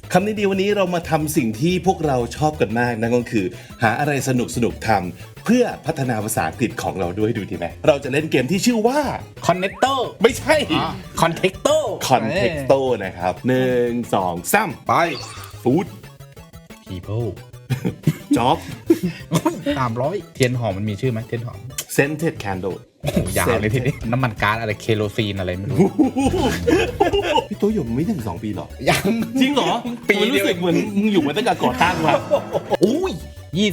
คำนี้ดีวันนี้เรามาทำสิ่งที่พวกเราชอบกันมากนั่นก็คือหาอะไรสนุกทำเพื่อพัฒนาภาษาอังกฤษของเราด้วยดูดีไหมเราจะเล่นเกมที่ชื่อว่า Connector ไม่ใช่ Contexto Contexto นะครับ1 2 3ไป Food People Job 300เทียนหอมมันมีชื่อไหมเทียนหอม Scented Candle โอ้โหยาวเลยทีนี้น้ำมันก๊าซอะไรเคโรซีนอะไรไม่รู้พี่ตัวอยู่ไม่ถึง2 ปีหรอยังจริงเหรอปีมันเดีรู้ยวสึกเหมือนมึงอยู่มาตั้งแต่ก่อตั้งว่ะอุ้ย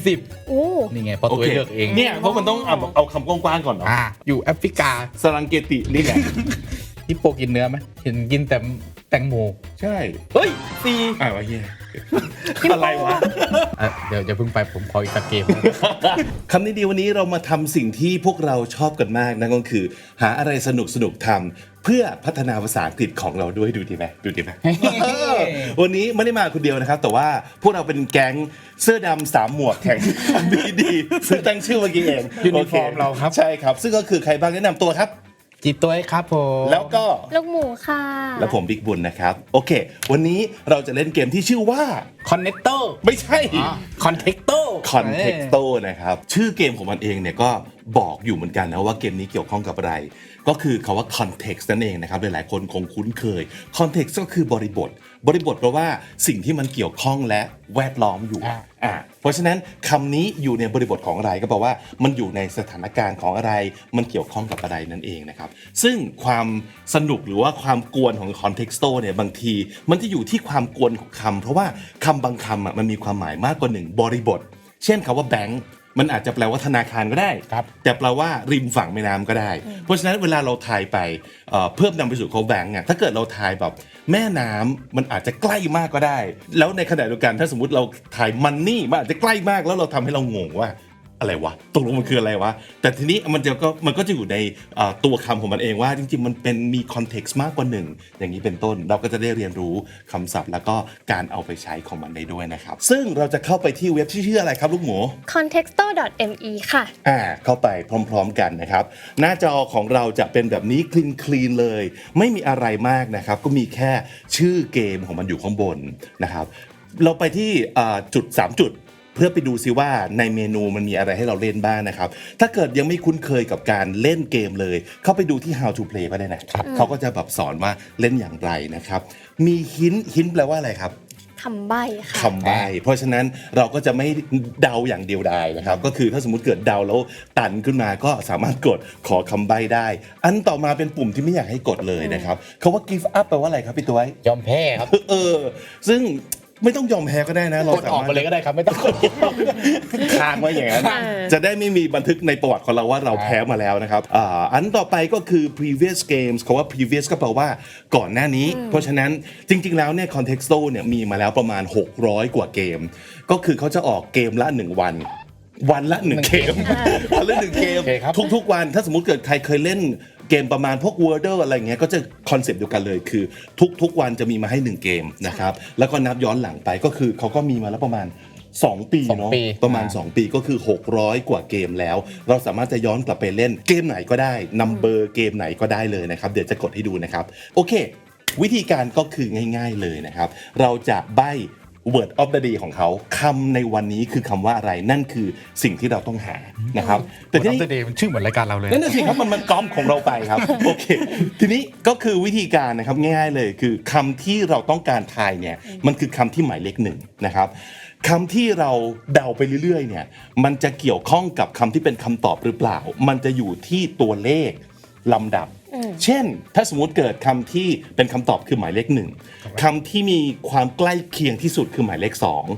20 โอ้นี่ไงพอตัวเลือกเองเนี่ยเพราะมันต้องเอาคำกว้างๆก่อนเนาะอยู่แอฟริกาสรังเกตินี่แหละฮิปโปกินเนื้อไหมเห็นกินแต่แตงโมใช่เฮ้ยซีวะเฮียอะไรวะเดี๋ยวเพิ่งไปผมขออีกสักเกมคำนี้ดีวันนี้เรามาทำสิ่งที่พวกเราชอบกันมากนั่นก็คือหาอะไรสนุกทำเพื่อพัฒนาภาษาอังกฤษของเราด้วยดูดีไหมวันนี้ไม่ได้มาคนเดียวนะครับแต่ว่าพวกเราเป็นแก๊งเสื้อดำ3 หมวกแข่งดีซึ่งตั้งชื่อเมื่อกี้เองยูนิฟอร์มเราครับใช่ครับซึ่งก็คือใครบ้างแนะนำตัวครับจีตัวครับผมแล้วก็ลูกหมูค่ะและผมบิ๊กบุญนะครับโอเควันนี้เราจะเล่นเกมที่ชื่อว่า Connector ไม่ใช่ Contexto Contexto นะครับชื่อเกมของมันเองเนี่ยก็บอกอยู่เหมือนกันนะว่าเกมนี้เกี่ยวข้องกับอะไรก็คือคำว่า context นั่นเองนะครับหลายๆคนคงคุ้นเคย context ก็คือบริบทแปลว่าสิ่งที่มันเกี่ยวข้องและแวดล้อมอยู่เพราะฉะนั้นคำนี้อยู่ในบริบทของอะไรก็แปลว่ามันอยู่ในสถานการณ์ของอะไรมันเกี่ยวข้องกับอะไรนั่นเองนะครับซึ่งความสนุกหรือว่าความกวนของ Contexto เนี่ยบางทีมันจะอยู่ที่ความกวนของคำเพราะว่าคำบางคำมันมีความหมายมากกว่า1บริบทเช่นคำว่า bankมันอาจจะแปลว่าธนาคารก็ได้แต่แปลว่าริมฝั่งแม่น้ำก็ได้เพราะฉะนั้นเวลาเราทายไปเพิ่มนำไปสู่เขาแบงก์ถ้าเกิดเราทายแบบแม่น้ำมันอาจจะใกล้มากก็ได้แล้วในขณะเดียวกันถ้าสมมุติเราทายมันนี่มันอาจจะใกล้มากแล้วเราทำให้เรางงว่าอะไรวะตกลงมันคืออะไรวะแต่ทีนี้มันก็จะอยู่ในตัวคำของมันเองว่าจริงๆมันเป็นมีคอนเท็กซ์มากกว่า1อย่างนี้เป็นต้นเราก็จะได้เรียนรู้คำศัพท์แล้วก็การเอาไปใช้ของมันได้ด้วยนะครับซึ่งเราจะเข้าไปที่เว็บที่ชื่ออะไรครับลูกหมู contexto.me ค่ะเข้าไปพร้อมๆกันนะครับหน้าจอของเราจะเป็นแบบนี้คลีนเลยไม่มีอะไรมากนะครับก็มีแค่ชื่อเกมของมันอยู่ข้างบนนะครับเราไปที่จุด3 จุดเพื่อไปดูซิว่าในเมนูมันมีอะไรให้เราเล่นบ้างนะครับถ้าเกิดยังไม่คุ้นเคยกับการเล่นเกมเลยเข้าไปดูที่ how to play ก็ได้นะเขาก็จะแบบสอนว่าเล่นอย่างไรนะครับมีหินแปลว่าอะไรครับคำใบ้ค่ะคำใบ้เพราะฉะนั้นเราก็จะไม่เดาอย่างเดียวดายนะครับก็คือถ้าสมมุติเกิดเดาแล้วตันขึ้นมาก็สามารถกดขอคำใบ้ได้อันต่อมาเป็นปุ่มที่ไม่อยากให้กดเลยนะครับคำว่า give up แปลว่าอะไรครับพี่ตัวยอมแพ้ครับซึ่งไม่ต้องยอมแพ้ก็ได้นะเรากดออกไปเลยก็ได้ครับไม่ต้องกดค้างไว้อย่างนั้นจะได้ไม่มีบันทึกในประวัติของเราว่าเราแพ้มาแล้วนะครับอันต่อไปก็คือ previous games คำว่า previous ก็แปลว่าก่อนหน้านี้เพราะฉะนั้นจริงๆแล้วเนี่ย Contexto เนี่ยมีมาแล้วประมาณ600กว่าเกมก็คือเขาจะออกเกมละ1วันละ1เกมวันละ1เกมทุกๆวันถ้าสมมุติเกิดใครเคยเล่นเกมประมาณพวก Wordle อะไรเงี้ยก็จะคอนเซปต์เดียวกันเลยคือทุกวันจะมีมาให้1เกมนะครับแล้วก็นับย้อนหลังไปก็คือเขาก็มีมาแล้วประมาณ2 ปีเนาะประมาณ2 ปีก็คือ600กว่าเกมแล้วเราสามารถจะย้อนกลับไปเล่นเกมไหนก็ได้นัมเบอร์เกมไหนก็ได้เลยนะครับเดี๋ยวจะกดให้ดูนะครับโอเควิธีการก็คือง่ายๆเลยนะครับเราจะใบ้ word of the day ของเขาคำในวันนี้คือคำว่าอะไรนั่นคือสิ่งที่เราต้องหานะครับแต่ที่ Word of the day มันชื่อเหมือนรายการเราเลยนั่นน่ะสิครับมันก๊อปของเราไปครับโอเคทีนี้ก็คือวิธีการนะครับง่ายๆเลยคือคำที่เราต้องการทายเนี่ยมันคือคำที่หมายเลข1นะครับคำที่เราเดาไปเรื่อยๆเนี่ยมันจะเกี่ยวข้องกับคำที่เป็นคำตอบหรือเปล่ามันจะอยู่ที่ตัวเลขลำดับเช่นถ้าสมมุติเกิดคำที่เป็นคำตอบคือหมายเลข1คำที่มีความใกล้เคียงที่สุดคือหมายเลข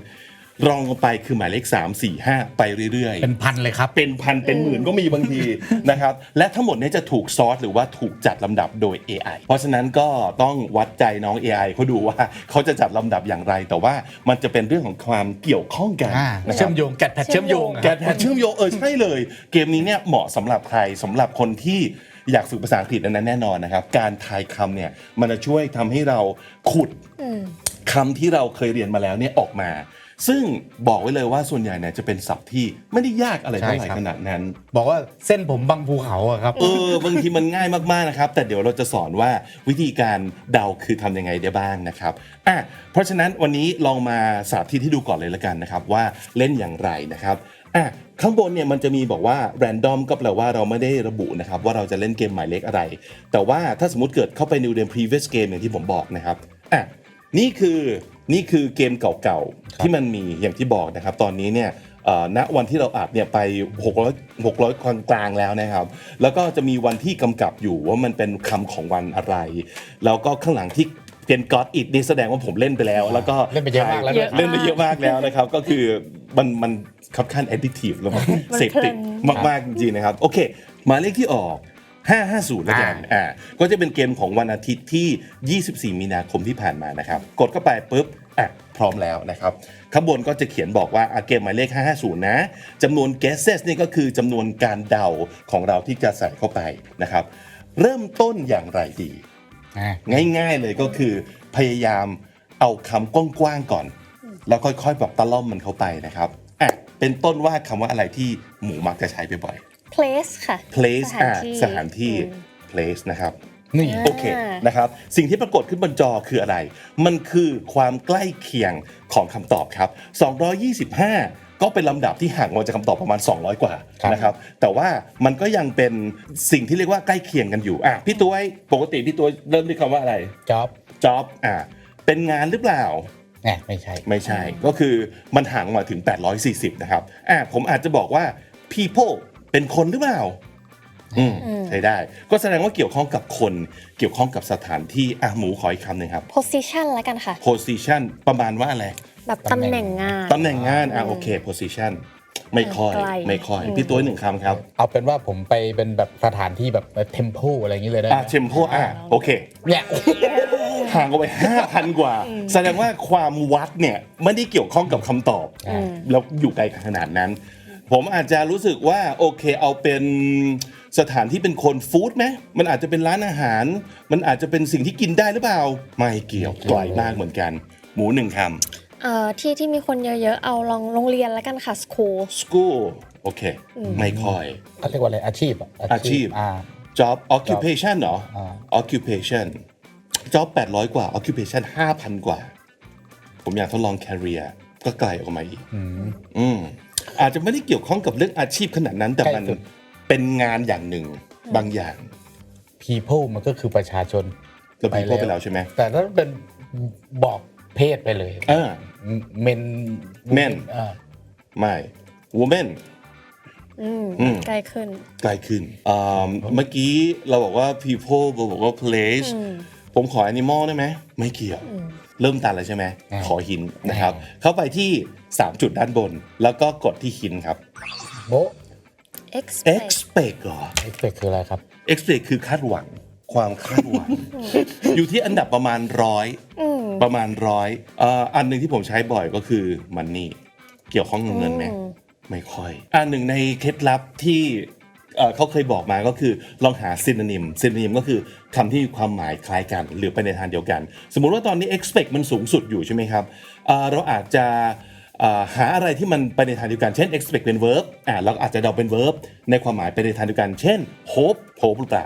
2รองลงไปคือหมายเลข3 4 5ไปเรื่อยๆเป็นพันเลยครับเป็นพันเป็นหมื่นก็มีบางทีนะครับและทั้งหมดนี้จะถูกซอร์ตหรือว่าถูกจัดลำดับโดย AI เพราะฉะนั้นก็ต้องวัดใจน้อง AI เขาดูว่าเขาจะจัดลำดับอย่างไรแต่ว่ามันจะเป็นเรื่องของความเกี่ยวข้องกันเชื่อมโยงแกะแพทเชื่อมโยงใช่เลยเกมนี้เนี่ยเหมาะสำหรับใครสำหรับคนที่อยากฝึกภาษาอังกฤษนั้นแน่นอนนะครับการทายคำเนี่ยมันจะช่วยทำให้เราขุดคำที่เราเคยเรียนมาแล้วเนี่ยออกมาซึ่งบอกไว้เลยว่าส่วนใหญ่เนี่ยจะเป็นศัพท์ที่ไม่ได้ยากอะไรเท่าไหร่ใช่ครับขนาดนั้นบอกว่าเส้นผมบังภูเขาอะครับบางทีมันง่ายมากๆนะครับแต่เดี๋ยวเราจะสอนว่าวิธีการเดาคือทำยังไงได้บ้างนะครับเพราะฉะนั้นวันนี้ลองมาสาธิตให้ดูก่อนเลยละกันนะครับว่าเล่นอย่างไรนะครับข้างบนเนี่ยมันจะมีบอกว่า random ก็แปลว่าเราไม่ได้ระบุนะครับว่าเราจะเล่นเกมหมายเลขอะไรแต่ว่าถ้าสมมติเกิดเข้าไป new game previous game อย่างที่ผมบอกนะครับนี่คือเกมเก่าๆที่มันมีอย่างที่บอกนะครับตอนนี้เนี่ยณวันที่เราอัดเนี่ยไป600คนกลางแล้วนะครับแล้วก็จะมีวันที่กำกับอยู่ว่ามันเป็นคำของวันอะไรแล้วก็ข้างหลังที่เป็น God It นี่แสดงว่าผมเล่นไปแล้วแล้วก็เล่นไปเยอะมากแล้วด้วยเล่นไปเยอะมากแล้วนะครับก็คือมันค่อนข้าง addictive แล้วมันเสพติดมากๆจริงๆนะครับโอเคหมายเลขที่ออก550แล้วกันก็จะเป็นเกมของวันอาทิตย์ที่ 24 มีนาคมที่ผ่านมานะครับกดเข้าไปปุ๊บพร้อมแล้วนะครับข้างบนก็จะเขียนบอกว่าเกมหมายเลข550นะจำนวน guesses นี่ก็คือจำนวนการเดาของเราที่จะใส่เข้าไปนะครับเริ่มต้นอย่างไรดีง่ายๆเลยก็คือพยายามเอาคำกว้างๆก่อนแล้วค่อยๆแบบตะล่อมมันเข้าไปนะครับเป็นต้นว่าคำว่าอะไรที่หมูมักจะใช้บ่อยๆ place ค่ะ place สถานที่ place นะครับนี่โอเคนะครับสิ่งที่ปรากฏขึ้นบนจอคืออะไรมันคือความใกล้เคียงของคำตอบครับ225ก็เป็นลำดับที่ห่างออกจากคำตอบประมาณ200กว่านะครับแต่ว่ามันก็ยังเป็นสิ่งที่เรียกว่าใกล้เคียงกันอยู่พี่ตัวปกติพี่ตัวเริ่มด้วยคำว่าอะไร job เป็นงานหรือเปล่าไม่ใช่ก็คือมันห่างมาถึง840นะครับผมอาจจะบอกว่า people เป็นคนหรือเปล่าใช้ได้ก็แสดงว่าเกี่ยวข้องกับคนเกี่ยวข้องกับสถานที่หมูขออีกคำหนึ่งครับ position แล้วกันค่ะ position ประมาณว่าอะไรแบบตำแหน่งงานโอเค position ไม่ค่อยพี่ตัวหนึ่งคำครับเอาเป็นว่าผมไปเป็นแบบสถานที่แบบ temple อะไรอย่างนี้เลยได้ไหม temple โอเคเนี่ยห่างออกไป 5,000 กว่าแสดงว่าความวัดเนี่ยไม่ได้เกี่ยวข้องกับคำตอบแล้วอยู่ไกลขนาดนั้นผมอาจจะรู้สึกว่าโอเคเอาเป็นสถานที่เป็นคนฟู้ดไหมมันอาจจะเป็นร้านอาหารมันอาจจะเป็นสิ่งที่กินได้หรือเปล่าไม่เกี่ยวไกลมากเหมือนกันหมูหนึ่งคำที่มีคนเยอะๆเอาลองโรงเรียนแล้วกันค่ะ school โอเคไม่ค่อยเขาเรียกว่าอะไรอาชีพ job occupation เหรอ occupation job 800กว่า occupation 5,000 กว่าผมอยากทดลอง career ก็ไกลออกมาอีกอาจจะไม่ได้เกี่ยวข้องกับเรื่องอาชีพขนาดนั้นแต่มันเป็นงานอย่างหนึ่งบางอย่าง people มันก็คือประชาชนเรา people ไปแล้วใช่ไหมแต่ถ้าเป็นบอกเพศไปเลยmen ไม่ woman ใกล้ขึ้นเมื่อกี้เราบอกว่า people เราบอกว่า place ผมขอ animal ได้ไหมไม่เกี่ยวเริ่มตันแล้วใช่ไหมขอหินนะครับเข้าไปที่3จุดด้านบนแล้วก็กดที่หินครับโบ expect เหรอ expect คืออะไรครับ expect คือคาดหวังความคาดหวัง อยู่ที่อันดับประมาณ100อันหนึ่งที่ผมใช้บ่อยก็คือ money เกี่ยวข้องกับเงินไหมไม่ค่อยอันหนึ่งในเคล็ดลับที่เขาเคยบอกมาก็คือลองหา synonym ก็คือคำที่มีความหมายคล้ายกันหรือไปในทางเดียวกันสมมุติว่าตอนนี้ expect มันสูงสุดอยู่ใช่ไหมครับเราอาจจะหาอะไรที่มันไปในทางเดียวกันเช่น expect เป็น verb เราอาจจะเดาเป็น verb ในความหมายไปในทางเดียวกันเช่น hope หรือเปล่า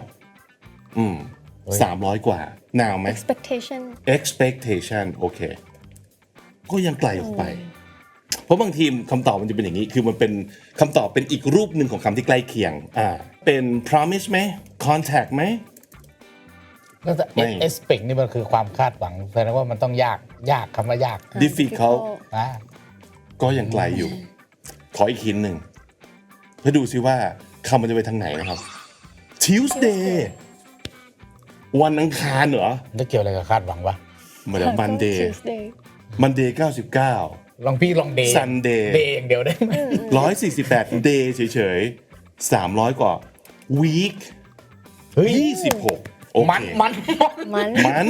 300 กว่า now ไหม expectation โอเคก็ยังไกลออกไปเพราะบางทีคำตอบมันจะเป็นอย่างนี้คือมันเป็นคำตอบเป็นอีกรูปหนึ่งของคำที่ใกล้เคียงเป็น promise ไหม contact ไหมแล้วแต่ expect นี่มันคือความคาดหวังแสดงว่ามันต้องยากคำว่ายาก difficult ก็ยังไกลอยู่ขออีกหินหนึ่งเพื่อดูซิว่าคำมันจะไปทางไหนนะครับ Tuesday วันอังคารเหรอจะเกี่ยวอะไรกับคาดหวังวะเหมือน Monday 99 ลองเดย์ Sunday เดย์อย่างเดียวได้ไหม 148 day เฉยๆ300 กว่า week 26โอเคมัน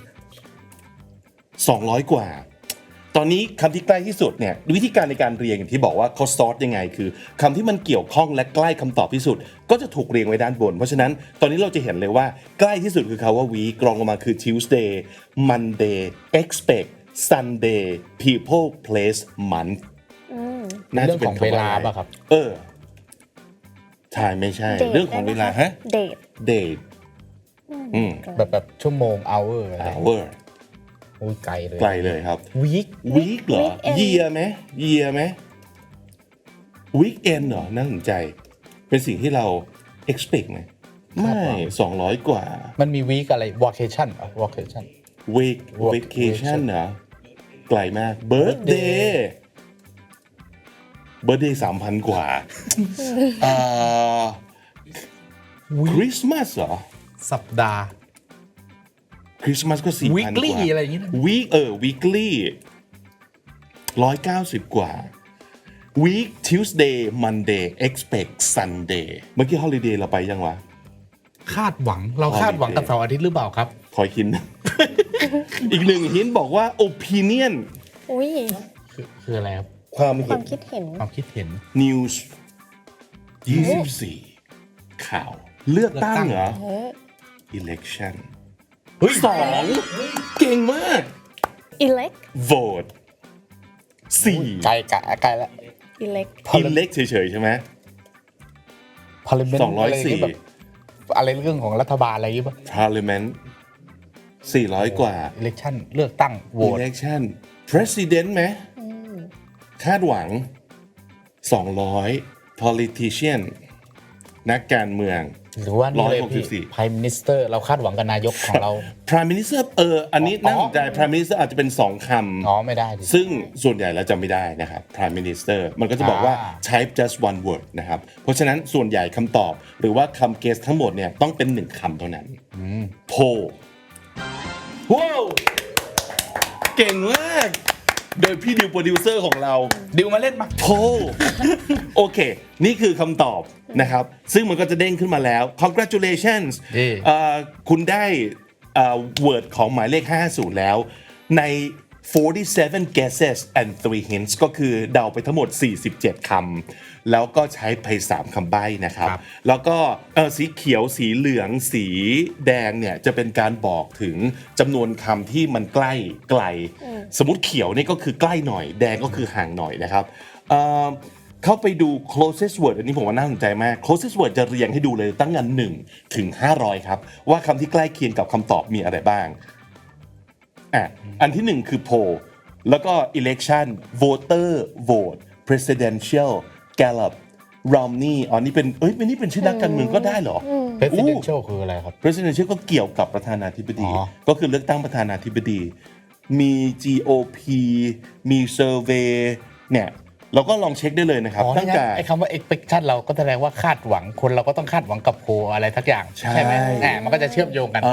200 กว่าตอนนี้คำที่ใกล้ที่สุดเนี่ยวิธีการในการเรียงอย่างที่บอกว่าเขาซอร์ตยังไงคือคำที่มันเกี่ยวข้องและใกล้คำตอบที่สุดก็จะถูกเรียงไว้ด้านบนเพราะฉะนั้นตอนนี้เราจะเห็นเลยว่าใกล้ที่สุดคือคำว่า week รองลงมาคือ Tuesday Monday expect Sunday People Place Month น่าจะเป็นเรื่องของเวลาป่ะครับใช่ไม่ใช่ Date เรื่องของเวลาได้ไหมคะฮะ date date แบบชั่วโมง hour อะไร hour อุ้ยไกลเลยไกลเลยครับ week week เหรอ weekend year ไหม year ไหม weekend เหรอน่าสนใจ เป็นสิ่งที่เรา expect ไหมไม่ 200 กว่ามันมี week อะไร vacation อ่ะ vacation week vacation เหรอไกลมาก birthday birthday 3,000 กว่าคริสต์มาสเหรอสัปดาห์คริสต์มาสก็ 4,000 weekly กว่าอะไรอย่างงี้นะ weekly 190 กว่า week Tuesday Monday expect Sunday เมื่อกี้ holiday เราไปยังวะคาดหวังเราคาดหวังกับเสาร์อาทิตย์หรือเปล่าครับคอยคิด อีกหนึ่งหินบอกว่า opinion อุ้ยคืออะไรครับความคเห็วาน มคิดเห็นความคิดเห็น news 24 ข่าว เลือกตั้งเหรอ election สองเก่งมาก elect vote 4 ไกลแล้ว elect elect เฉยๆใช่ไหม parliament 204 อะไรอย่างงี้แบบอะไรเรื่องของรัฐบาลอะไรอย่างงี้ป่ะ parliament 400 กว่า election เลือกตั้งโหวต election president ไหมคาดหวัง 200 politician นักการเมืองหรือว่านี่เลยพี่ 164 prime minister เราคาดหวังกับนายกของเรา prime minister อันนี้น่าสนใจ prime minister อาจจะเป็น 2 คำอ๋อไม่ได้ดิซึ่งส่วนใหญ่แล้วจะไม่ได้นะครับ prime minister มันก็จะบอกว่า type just one word นะครับ เพราะฉะนั้นส่วนใหญ่คำตอบหรือว่าคำเกสทั้งหมดเนี่ยต้องเป็น 1 คำเท่านั้น poll ว้าวเก่งมาก โดยพี่ดิวโปรดิวเซอร์ของเราดิวมาเล่นมาโพโอเค นี่คือคำตอบนะครับ ซึ่งมันก็จะเด้งขึ้นมาแล้ว congratulations คุณได้word ของหมายเลข 50 แล้ว ใน 47 guesses and 3 hints ก็คือเดาไปทั้งหมด 47 คำ แล้วก็ใช้ไป 3 คำใบ้นะครับ แล้วก็สีเขียว สีเหลือง สีแดงเนี่ยจะเป็นการบอกถึงจำนวนคำที่มันใกล้ไกล สมมติเขียวนี่ก็คือใกล้หน่อย แดงก็คือห่างหน่อยนะครับเข้าไปดู closest word อันนี้ผมว่าน่าสนใจมาก closest word จะเรียงให้ดูเลยตั้งแต่1 ถึง 500 ครับ ว่าคำที่ใกล้เคียงกับคำตอบมีอะไรบ้าง อันที่ 1 คือ poll แล้วก็ election voter vote presidential Gallup Romney นี่เป็นชื่อนักการเมืองก็ได้เหร presidential คืออะไรครับ presidential ก็เกี่ยวกับประธานาธิบดีอ๋อก็คือเลือกตั้งประธานาธิบดี มี GOP มี survey เนี่ยเราก็ลองเช็คได้เลยนะครับ ตั้งแต่ไอ้คำว่า expectation เราก็แสดงว่าคาดหวังคนเราก็ต้องคาดหวังกับโพลอะไรทักอย่างใช่ไหมมันก็จะเชื่อมโยงกัน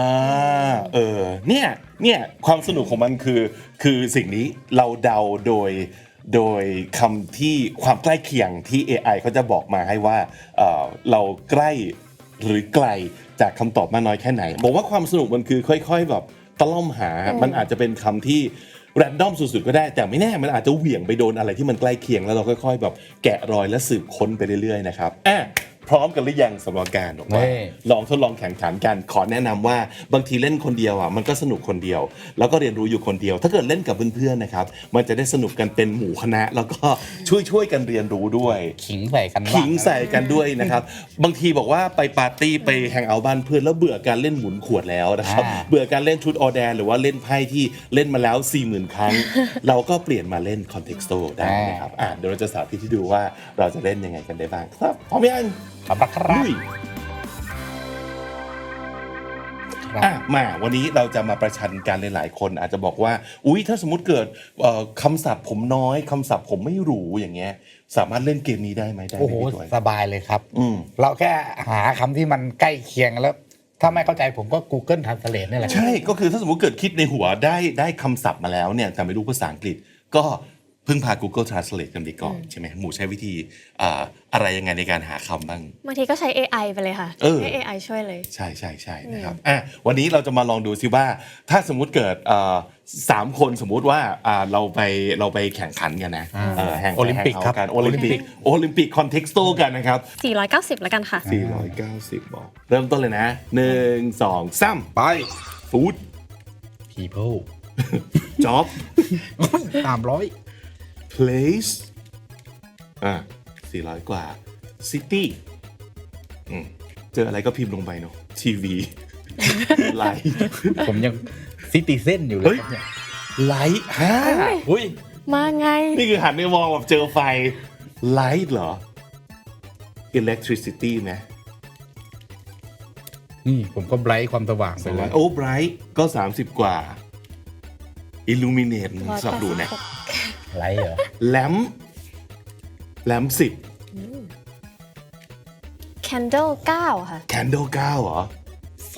เนี่ยความสนุกของมันคือสิ่งนี้เราเดาโดยคำที่ความใกล้เคียงที่ AI เขาจะบอกมาให้ว่าเราใกล้หรือไกลจากคำตอบมากน้อยแค่ไหนบอกว่าความสนุกมันคือค่อยๆแบบตะล่อมหา มันอาจจะเป็นคำที่แรนดอมสุดๆก็ได้แต่ไม่แน่มันอาจจะเหวี่ยงไปโดนอะไรที่มันใกล้เคียงแล้วเราค่อยๆแบบแกะรอยและสืบค้นไปเรื่อยๆนะครับพร้อมกันหรือยังสำหรับการบอกว่าลองทดลองแข่งขันกันขอแนะนำว่าบางทีเล่นคนเดียวมันก็สนุกคนเดียวแล้วก็เรียนรู้อยู่คนเดียวถ้าเกิดเล่นกับเพื่อนๆนะครับมันจะได้สนุกกันเป็นหมู่คณะแล้วก็ช่วยกันเรียนรู้ด้วยขิงใส่กันบ้างขิงใส่กันด้วยนะครับบางทีบอกว่าไปปาร์ตี้ไปแฮงเอาท์บ้านเพื่อนแล้วเบื่อการเล่นหมุนขวดแล้วนะครับเบื่อการเล่นชุดออแดนหรือว่าเล่นไพ่ที่เล่นมาแล้ว 40,000 ครั้ง เราก็เปลี่ยนมาเล่นคอนเท็กซ์โตได้นะครับเดี๋ยวเราจะสาธิตให้ดูว่าเราจะเล่นยังไงกันได้บ้างครับพร้อมยังขอบคุณครับลุยมาวันนี้เราจะมาประชันกันหลายๆคนอาจจะบอกว่าถ้าสมมุติเกิดคำศัพท์ผมน้อยคำศัพท์ผมไม่รู้อย่างเงี้ยสามารถเล่นเกมนี้ได้ไหมได้ไหมโอ้โหพี่ตัวสบายเลยครับเราแค่หาคำที่มันใกล้เคียงแล้วถ้าไม่เข้าใจผมก็ Google Translate นี่แหละใช่ก็คือถ้าสมมติเกิดคิดในหัวได้คำศัพท์มาแล้วเนี่ยแต่ไม่รู้ภาษาอังกฤษก็พึ่งพา Google Translate กันไปก่อนใช่ไหมหมูใช้วิธีอะไรยังไงในการหาคำบ้างบางทีก็ใช้ AI ไปเลยค่ะให้ AI ช่วยเลยใช่นะครับวันนี้เราจะมาลองดูซิว่าถ้าสมมุติเกิด3 คนสมมุติว่าเราไปแข่งขันกันนะโอลิมปิกครับโอลิมปิกคอนเท็กซ์โตกันนะครับ 490 แล้วกันค่ะ 490บอกเริ่มต้นเลยนะ1 2 3ไปฟู้ด people job 300 place 400 กว่า city เจออะไรก็พิมพ์ลงไปเนาะ TV ไลท์ผมยังซิติเซนอยู่เลเฮ้ยยครับเนี่ยไลท์อุ้ยมาไงนี่คือหันไปมองแบบเจอไฟ ไลท์เหรอ electricity ไหมนี่ผมก็ไบรท์ความสว่างไปเลยโอ้ bright ก็ 30 กว่า illuminate สอบดูนะไลท์เหรอ lamp candle 9 ค่ะ 10 candle 9 เหรอไฟ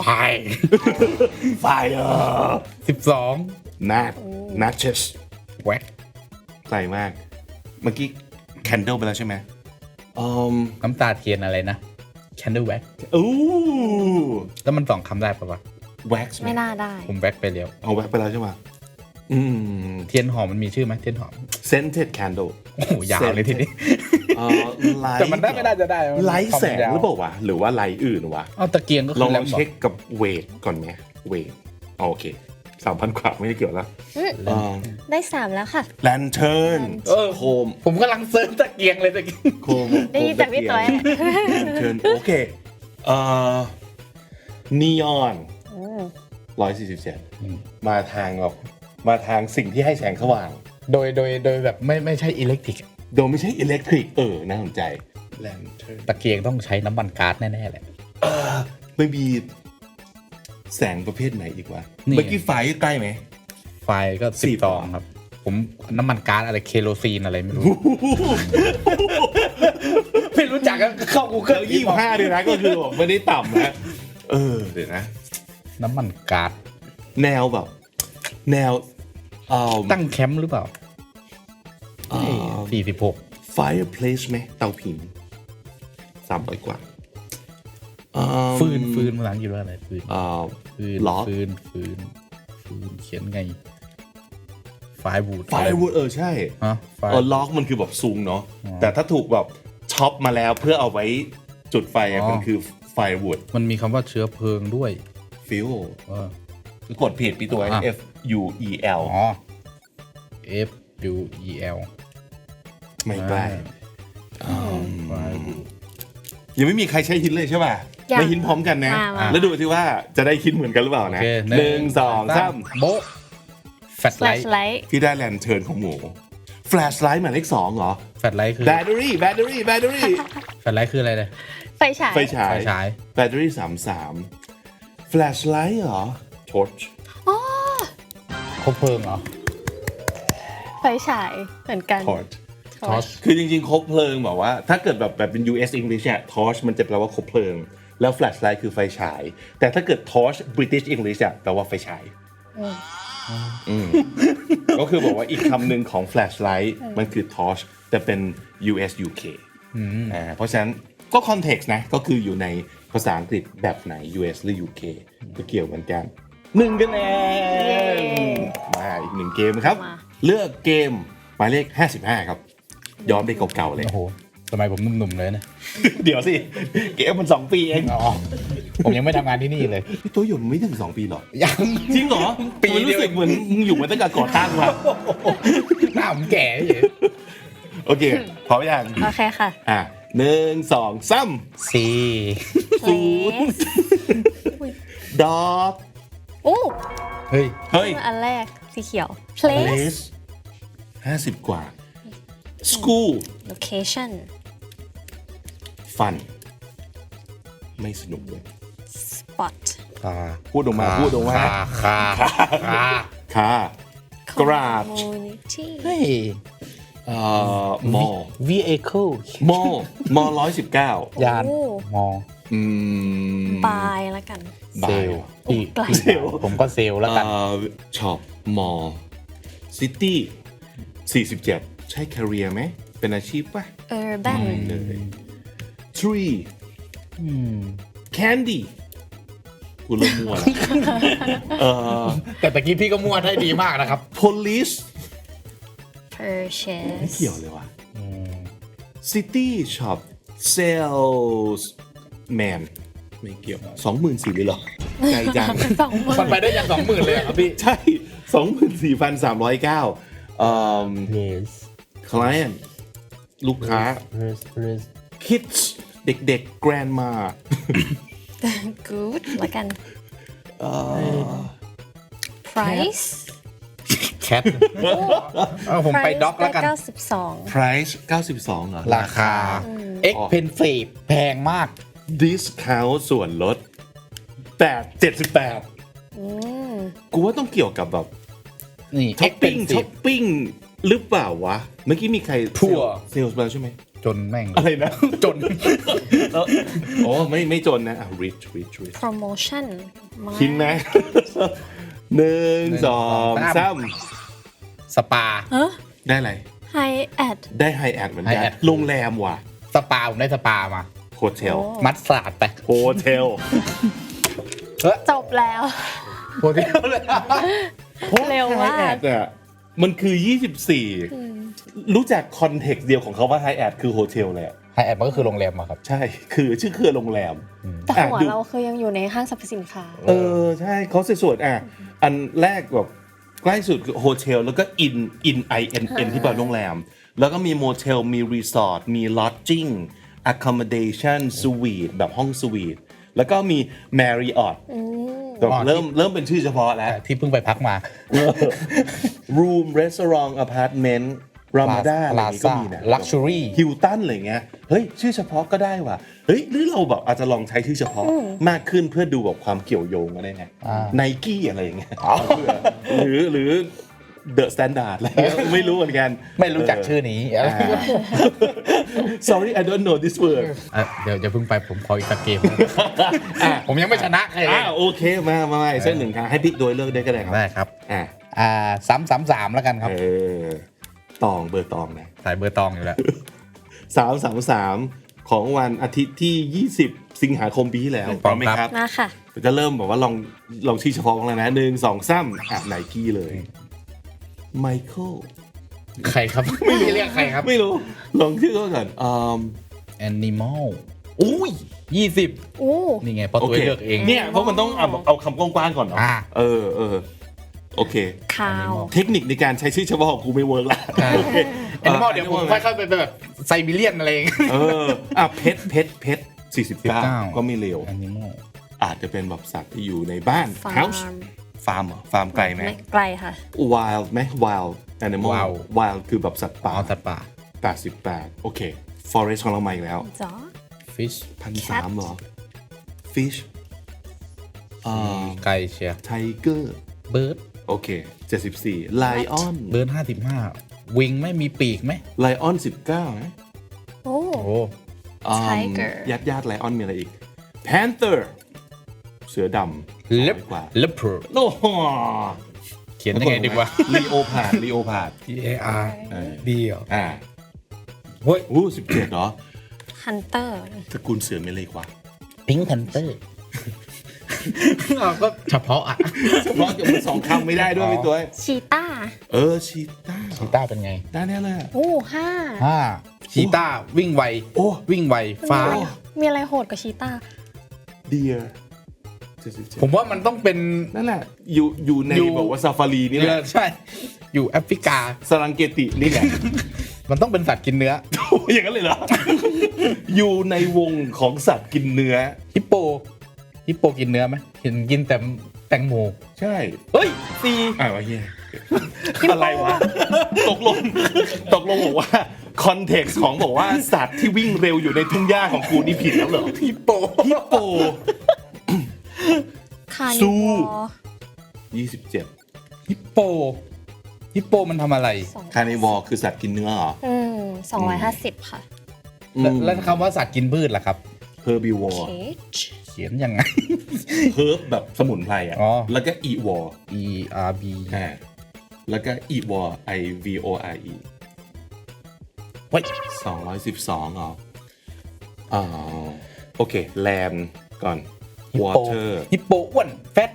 fire 12 matches แว็กไกลมาก เมื่อกี้ candle ไปแล้วใช่ไหมน้ำตาเทียนอะไรนะ candle wax อู้แล้วมัน2 คำได้ปะวะ wax ไหมไม่น่าได้ผมแว็กไปแล้วเอา wax ไปแล้วใช่ไหมเทียนหอมมันมีชื่อไหมเทียนหอม scented candle โอ้โหยาวเลยทีนี้ light แต่มันได้ไม่ได้จะได้ไลท์แสงหรือเปล่าวะ หรือว่าไลท์อื่นวะเอาตะเกียงก็ลคือ อง แลมบอกเช็คกับเวทก่อนไหมเวทโอเค 3,000 กว่าไม่ได้เกี่ยวแล้วได้ 3 แล้วค่ะ lantern โคมผมกำลังเซิร์ชตะเกียงเลยตะเกียงโคมได้ยินจากพี่ต้อย lantern โอเคneon 147มาทางแบบมาทางสิ่งที่ให้แสงสว่างโดยแบบไม่ใช่อิเล็กทริกโดยไม่ใช่อิเล็กทริกน่าสนใจ lantern ตะเกียงต้องใช้น้ำมันก๊าซแน่ๆแหละไม่มีแสงประเภทไหนอีกวะนี่เมื่อกี้ไฟใกล้ไหมไฟก็ 10 10 ตองครับ ผมน้ำมันก๊าซอะไรเคโรซีนอะไรไม่รู้ ไม่รู้จักก็เข้าเครื่ Google อง25เลยนะก็คือแบบไม่ได้ต่ำนะเดี๋ยวนะน้ำมันก๊าซแนวแบบ แนวตั้งแคมป์หรือเปล่า46 fireplace ไหมเตาผิง300 กว่าฟืนภาษาอังกฤษว่าอะไรฟืน lock ฟืนเขียนไงไฟวูด firewood ใช่ฮะล็อกมันคือแบบซุงเนาะแต่ถ้าถูกแบบช็อปมาแล้วเพื่อเอาไว้จุดไฟมันคือ firewood มันมีคำว่าเชื้อเพลิงด้วย fuel คือกดผิดปีตัว F U E L F U E L ไม่ใกล้ Firewood ยังไม่มีใครใช้ฮินเลยใช่ป่ะยังไม่ฮินพร้อมกันนะมาแล้วดูสิว่าจะได้คิดเหมือนกันหรือเปล่านะโอเค 1 2 3 โบ๊ะแฟลชไลท์ flashlight ที่ได้แลนเทิร์นของหมู แฟลชไลท์หมายเลข 2 เหรอแฟลชไลท์คือแบตเตอรี่แฟลชไลท์คืออะไรเลยไฟฉายไฟฉายไฟฉายแบตเตอรี่ 33 แฟลชไลท์เหรอ ทอร์ชคบเพลิงเหรอไฟฉายเหมือนกันทอร์ช torch คือจริงๆ คบเพลิงแบบว่า ถ้าเกิดแบบเป็น US English เนี่ย torch มันจะแปลว่าคบเพลิง แล้ว flashlight คือไฟฉาย แต่ถ้าเกิด torch British English อะแปลว่าไฟฉายก็คือบอกว่าอีกคำหนึ่งของ flashlight มันคือ torch แต่เป็น US UK เพราะฉะนั้นก็ context นะ ก็คืออยู่ในภาษาอังกฤษแบบไหน US หรือ UK ก็เกี่ยวเหมือนกัน1 คะแนนมาอีก1 เกมครับมาเลือกเกมหมายเลข 55 ครับ ย้อนไปเก่าๆเลยโอ้โหสมัยผมหนุ่มๆเลยนะเดี๋ยวสิ เกมมัน 2 ปีเองอ๋อผมยังไม่ทำงานที่นี่เลยพี่ตัวอยู่ไม่ถึง 2 ปีหรอยังจริงเหรอปีมันเดียวรู้สึกเหมือนมึงอยู่มาตั้งแต่ก่อตั้งมาหน้าผมแก่เฉยโอเคพร้อมยังโอเคค่ะ 1 2 3 สี่ place ดอกอู้เฮ้ยเฮ้ยอันแรกสีเขียว place place 50 กว่า school location fun ไม่สนุกเลย spot พูดออกมาคาค่ะ garage community เฮ้ย mall vehicle mall 119 ยานโอ้มองบายแล้วกันเซลล์พี่ไกลพี่ผมก็เซลล์แล้วกันช็อปมอลล์ซิตี้47 ใช่ career ไหม เป็นอาชีพป่ะ urban เลย tree candy กูเริ่มมั่วแล้วแต่ตะกี้พี่ก็มั่วได้ดีมากนะครับ police ไม่ purchase เกี่ยวเลยว่ะ city shop sales man ไม่เกี่ยว 24,000เลยเหรอไกลจัง 2 หมื่มันนไปได้ยัน20,000เลยเหรอครับพี่ใช่ 24,309 yes client ลูกค้า yes kids เด็กๆ grandma good ละกัน price cat ผมไปด็อกแล้วกัน 92 price 92เหรอราคา expensive แพงมาก discount ส่วนลด78 อืมกูว่าต้องเกี่ยวกับแบบนี่ช้อปปิ้ง expensive หรือเปล่าวะ เมื่อกี้มีใคร Poor เซลส์มาใช่ไหมจนแม่งอะไรนะจนโอ้ไม่จนนะrich promotion มาคินนะ 1 2 3 สปาเฮ้ยได้อะไร high ad ได้ไฮแอดเหมือนกัน High Ad โรงแรมว่ะสปาผมได้สปามาโฮเทลโอ้มัดสาดไปโฮเทลจบแล้วโฮเทลเลยเร็วมากไฮแอดอ่ะมันคือ 24 รู้จักคอนเท็กซ์เดียวของเขาว่าไฮแอดคือโฮเทลเลยอะไฮแอดมันก็คือโรงแรมอะครับใช่ คือชื่อเครือโรงแรมแต่หัวดูเราคือยังอยู่ในห้างสรรพสินค้าใช่เขาส่วนอันแรกแบบใกล้สุดคือโฮเทลแล้วก็inที่แปลว่าโรงแรม แล้วก็มีโมเทลมีรีสอร์ทมีลอดจิ้ง accommodation suite แบบห้องสวีทแล้วก็มี Marriott แบบเริ่มเป็นชื่อเฉพาะแล้วที่เพิ่งไปพักมา room restaurant apartment Ramada อะไรอย่างงี้ก็มีนะ Luxury ฮิลตันอะไรเงี้ยเฮ้ยชื่อเฉพาะก็ได้ว่ะเฮ้ยหรือเราแบบอาจจะลองใช้ชื่อเฉพาะมากขึ้นเพื่อดูแบบความเกี่ยวโยงอะไรไง Nike อะไรอย่างเงี้ยหรือ The Standard อะไรเงี้ยไม่รู้เหมือนกันไม่รู้จักชื่อนี้อะไร sorry I don't know this word เดี๋ยวเพิ่งไปผมขออีกสักเกม ผมยังไม่ชนะใครเลยโอเคมาอีกสักหนึ่งครั้งให้พี่โดยเลิกได้ก็ได้ครับได้ครับ 333แล้วกันครับตองเบอร์ตองนะสายเบอร์ตองอยู่แล้ว 333ของวันอาทิตย์ที่ 20 สิงหาคมปีที่แล้วพร้อมครับมาค่ะจะเริ่มแบบว่าลองชื่อเฉพาะกันเลยนะ1 2 3ไนกี้เลยไมเคิลใครครับ ไม่มีเรียกใครครับไม่รู้ลองชื่อเขาก่อน Animal อุ้ย 20 อู้นี่ไงเพราะตัวเลือกเองเนี่ยเพราะมันต้องเอาคำกว้างๆก่อนเนาะเออโอเคข่าวเทคนิคในการใช้ชื่อเฉพาะของกูไม่เวิร์กละ Animal เดี๋ยวผมค่อยๆไปแบบไซบีเรียนอะไรเองเพชร49 ก็ไม่เร็ว Animal อาจจะเป็นแบบสัตว์ที่อยู่ในบ้านฟา house ร์มฟาร์มเหรอฟาร์มไกลไหมไม่ไกลค่ะ wild ไหม wild animal wild คือแบบสัตว์ป่าสัตว์ป่า 88โอเค forest ของเราใหม่แล้วจ๋อ Fish 1,300เหรอ fish ไก่เชียร์ tiger Bird โอเค74 lion Bird 55 วิงไม่มีปีกไหม lion 19นะโอ้โอ้ Tiger ญาติ lion มีอะไรอีก panther เสือดำ Lep กว่า Leopard โอ้โหเขียนยังไงดีวะ leopard T A R D เหรอ เฮ้ย 17เหรอฮันเตอร์ตระกูลเสือมีอะไรอีกว่า Pink Panther ก็เฉพาะอ่ะเฉพาะจะมัน2คำไม่ได้ด้วยพี่ตัวชีต้าชีต้าชีต้าเป็นไงได้แน่เลยอะโอ้ห้าชีต้าวิ่งไวโอ้วิ่งไวฟ้ามีอะไรโหดกว่าชีต้า deer 77 ผมว่ามันต้องเป็นนั่นแหละอยู่ในแบบว่าซาฟารีนี่แหละใช่ อยู่แอฟริกาสรังเกตินี่แหละมันต้องเป็นสัตว์กินเนื้ออย่างนั้นเลยเหรอ อยู่ในวงของสัตว์กินเนื้อฮิปโปกินเนื้อไหมกินแต่แตงโมใช่เฮ้ยซีวะเฮียอะไรวะ ตกลงบอกว่าคอนเท็กซ์ของบอกว่าสัตว์ที่วิ่งเร็วอยู่ในทุ่งหญ้าของกูนี่ผิดแล้วเหรอฮิปโปคาซูนิวอร์ 27 ฮิปโปมันทำอะไรคาร์นิวอร์คือสัตว์กินเนื้อเหรอ 250 ค่ะแล้วคำว่าสัตว์กินพืชล่ะครับเฮอร์บิวอร์ Cage เขียนยังไงเฮิร์บแบบสมุนไพรอ่ะอ๋อแล้วก็อีวอร์ E R B แล้วก็อีวอร์ I V O R E เฮ้ย 212เหรอโอเคแลนด์ก่อน water ฮิปโปอ้วนแฟต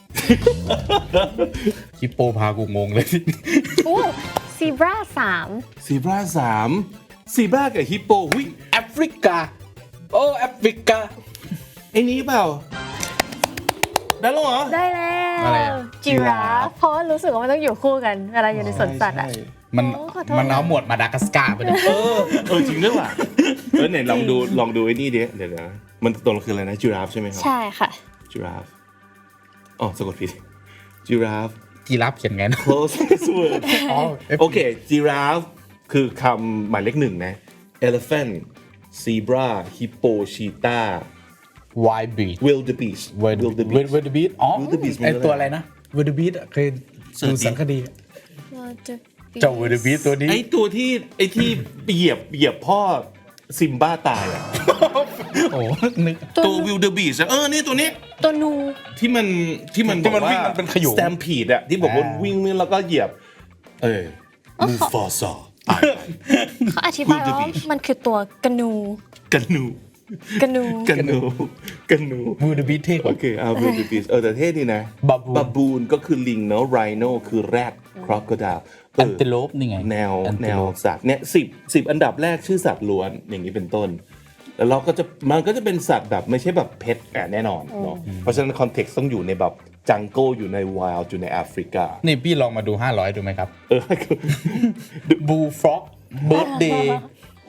ฮิปโปพากูงงเลยโอ้ซีบรา3 ซีบรา3ซีบรากับฮิปโปหุ้ยแอฟริกา โอ้แอฟริกาไอ้นี้เปล่าได้แล้วเหรอได้แล้อะไรวอะจิราฟเพราะว่ารู้สึกว่ามันต้องอยู่คู่กันเวลาอยู่ในสวนสัตว์อ่ะใช่มันโอ้ขอโทษมันเอาหมวดมาดากัสการ์ไปเลยจริงด้วยว่ะไหนลองดูไอ้นี่ดิเดี๋ยวนะมันตัวมันคืออะไรนะจิราฟใช่ไหมครับใช่ค่ะจิราฟอ๋อสะกดผิดจิราฟจีราฟเขียนไงนะ closest word อ๋อโอเคจิราฟคือคำหมายเลขหนึ่งนะ elephant zebra hippo cheetah Wild Beast wildebeest Wildebeest อ๋อ Wildebeest ไอตัวอะไรนะ Wildebeest เคยดูสารคดี เจ้า Wildebeest ตัวนี้ไอ้ตัวที่เหยียบพ่อซิมบ้าตายอ่ะโอ้นึกตัว wildebeest อะนี่ตัวนี้ตัวนูที่มันที่มันบอกว่าวิ่งมันเป็นขยุง stampede อะที่บอกว่าวิ่งแล้วก็เหยียบมูฟาซาเขาอธิบายว่า Wildebeest มันคือตัวกระนูกันนูกระนู Wildebeest เท่กโอว่าเคwildebeest แต่เท่ดีนะ Baboon บาบูนก็คือลิงเนาะ rhino คือแรด crocodile Antelope นี่ไงแนว Antelope สัตว์เนี่ย10อันดับแรกชื่อสัตว์ล้วนอย่างนี้เป็นต้น แล้วมันก็จะเป็นสัตว์แบบไม่ใช่แบบเพชรแน่นอนเนาะเพราะฉะนั้นคอนเท็กซ์ต้องอยู่ในแบบจังเกิลอยู่ในไวล์อยู่ในแอฟริกานี่พี่ลองมาดู 500 ดูไหมครับคือ Bullfrog Birthday โห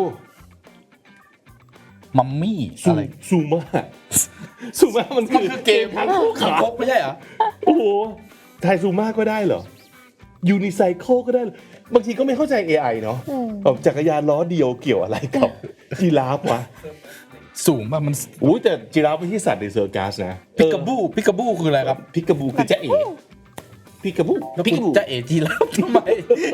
มัมมี่อะไรซูมามันคือเกมทางคู่ขาครบไม่ใช่เหรอโอ้โหไทยซูมาก็ได้เหรอยูนิไซเคิลก็ได้เหรอบางทีก็ไม่เข้าใจ AI เนาะแบบจักรยานล้อเดียวเกี่ยวอะไรกับจีราฟวะสูงป่ะมันอุ้ยแต่จีราฟไม่ใช่สัตว์ในเซอร์กัสนะพิกาบูคืออะไรครับพิกาบูคือจ๊ะเอ๋พิกาบูแล้วคุณจะเอจีแล้วทำไม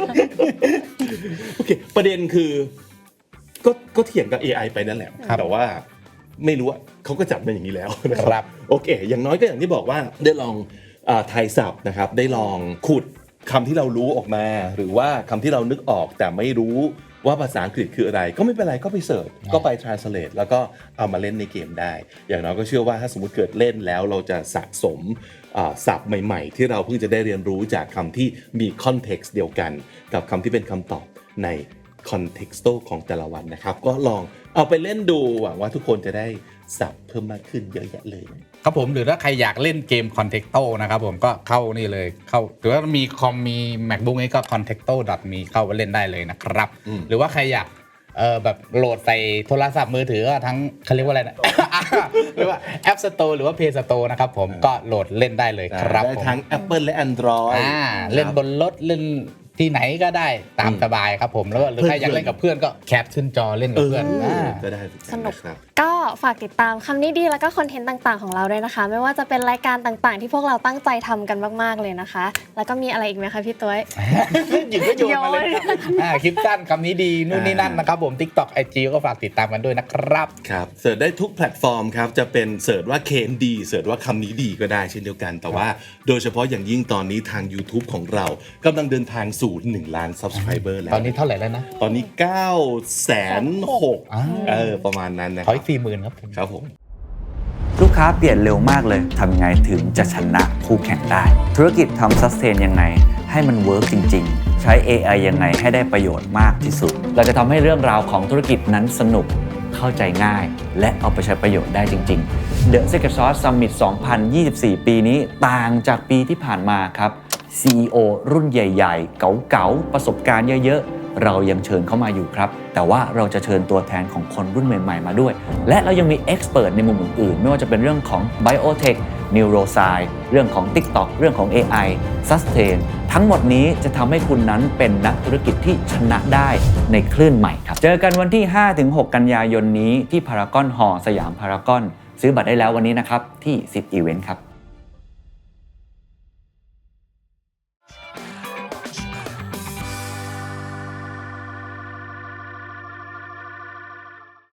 โอเคประเด็นคือก็เถียงกับ AI ไปนั่นแหละครับแต่ว่าไม่รู้ว่าเขาก็จับมาอย่างนี้แล้วนะครับ โอเค อย่างน้อยก็อย่างที่บอกว่าได้ลองไทยศัพท์นะครับได้ลองขุดคำที่เรารู้ออกมา หรือว่าคำที่เรานึกออกแต่ไม่รู้ว่าภาษาอังกฤษคืออะไร ก็ไม่เป็นไรก็ไปเสิร์ชก็ไป translate แล้วก็เอามาเล่นในเกมได้ อย่างน้อยก็เชื่อว่าถ้าสมมติเกิดเล่นแล้วเราจะสะสมศัพท์ใหม่ๆ ที่เราเพิ่งจะได้เรียนรู้จากคำที่มี context เดียวกัน กับคำที่เป็นคำตอบในคอนเท็กซ์ของแต่ละวันนะครับก็ลองเอาไปเล่นดูหวังว่าทุกคนจะได้ศัพท์เพิ่มมากขึ้นเยอะแยะเลยครับผมหรือถ้าใครอยากเล่นเกม Contexto นะครับผมก็เข้านี่เลยเข้าหรือว่ามีคอมมี MacBook นี้ก็ contexto.me เข้าไปเล่นได้เลยนะครับ หรือว่าใครอยากแบบโหลดใส่โทรศัพท์มือถือก็ทั้งเขาเรียกว่าอะไรนะ หรือว่า App Store หรือว่า Play Store นะครับผมก็โหลดเล่นได้เลยครับได้ผมทั้ง Apple และ Android เล่นบนรถเล่นที่ไหนก็ได้ตามสบายครับผมแล้วก็หรือใครอยากเล่นกับเพื่อนก็แคปขึ้นจอเล่นกับเพื่อนก็ได้สนุกครับก็ฝากติดตามคำนี้ดีแล้วก็คอนเทนต์ต่างๆของเราด้วยนะคะ ไม่ว่าจะเป็นรายการต่างๆ ที่พวกเราตั้งใจทำกันมากๆเลยนะคะ แล้วก็มีอะไรอีกไหมคะพี่ตัวหยิบก็โยนมาเลยครับคลิปสั้นคำนี้ดีนู่นนี่นั่นนะครับผม TikTok IG ก็ฝากติดตามกันด้วยนะครับครับเสิร์ชได้ทุกแพลตฟอร์มครับจะเป็นเสิร์ชว่าเคนดีเสิร์ชว่าคำนี้ดีก็ได้เช่นเดียวกัน แต่ว่าโดยเฉพาะอย่างยิ่งตอนนี้ทาง YouTube ของเรากำลังเดินทางสู่1 ล้าน Subscriber แล้วตอนนี้เท่าไหร่แล้วนะตอนนี้ 906,000ประมาณนั้นนะขออีก 40,000 ครับผมครับผมลูกค้าเปลี่ยนเร็วมากเลยทำยังไงถึงจะชนะคู่แข่งได้ ธุรกิจทำซัสเทนยังไงให้มันเวิร์กจริงๆ ใช้ AI ยังไงให้ได้ประโยชน์มากที่สุด เราจะทำให้เรื่องราวของธุรกิจนั้นสนุกเข้าใจง่าย และเอาไปใช้ประโยชน์ได้จริงๆ The Secret Sauce Summit 2024 ปีนี้ต่างจากปีที่ผ่านมาครับ CEO รุ่นใหญ่ๆ เก๋าๆ ประสบการณ์เยอะๆ เรายังเชิญเข้ามาอยู่ครับ แต่ว่าเราจะเชิญตัวแทนของคนรุ่นใหม่ๆ มาด้วย และเรายังมีเอ็กซ์เพิร์ในมุมอื่นๆ ไม่ว่าจะเป็นเรื่องของ Biotech Neuroscience เรื่องของ TikTok เรื่องของ AI Sustain ทั้งหมดนี้จะทำให้คุณนั้นเป็นนักธุรกิจที่ชนะได้ในคลื่นใหม่ครับ เจอกันวันที่ 5-6 กันยายนนี้ที่พารากอนฮอลล์สยามพารากอนซื้อบัตรได้แล้ววันนี้นะครับที่10 Event ครับ